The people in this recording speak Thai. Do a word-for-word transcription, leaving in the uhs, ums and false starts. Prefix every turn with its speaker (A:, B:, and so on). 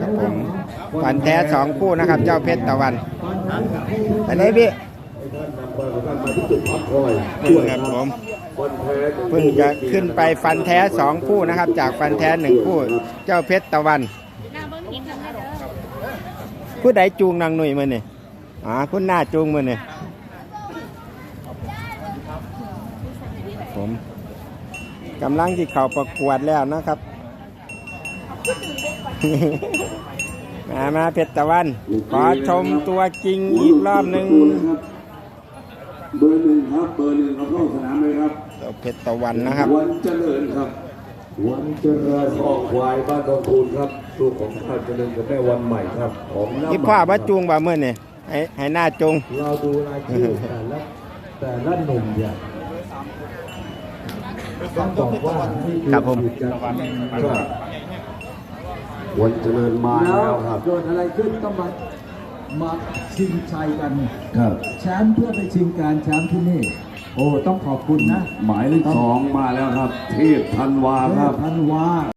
A: ครับผมฟันแท้สองคู่นะครับเจ้าเพชรตะวันอันไหนพี่ครับผมเพิ่งจะขึ้นไปฟันแท้สองคู่นะครับจากฟันแท้หนึ่งคู่เจ้าเพชรตะวันผู้ใดจูงนางหนุ่ยมาเนี่ยอ๋อคุณหน้าจูงมาเนี่ยผมกำลังที่เขาประกวดแล้วนะครับ มามาเพชรตะวันขอชมตัวจริงอีกรอบหนึ่ง
B: เบอร์หนึ่งครับเบอร์หนึ่งเราเข้าสนามเลยครับ
A: เพชรตะวันนะครับ
B: วันเจริญครับวันเจริญออกควายบ้านดอนคูนครับลูกของท่านเจริญกับแม่วันใหม่ครับของน้ำ
A: อีพ่อว่าจูงบ่เมื่อนี่ให้ให้หน้าจูง
B: เราดูรายชื่อแต่ละแต่ละหนุ่มเนี่ยต้องบอกว่านี่คือ
A: ครับผม
B: วันเจริญมาแล้วครับ
C: เกิดอะไรขึ้นต้องมามาชิงชัยกัน
B: ครับ
C: แชมป์เพื่อไปชิงการแชมป์ที่นี่โอ้ต้องขอบคุณนะ
B: หมายเลขสองมาแล้วครับเทพธันวาครับ
C: ธันวา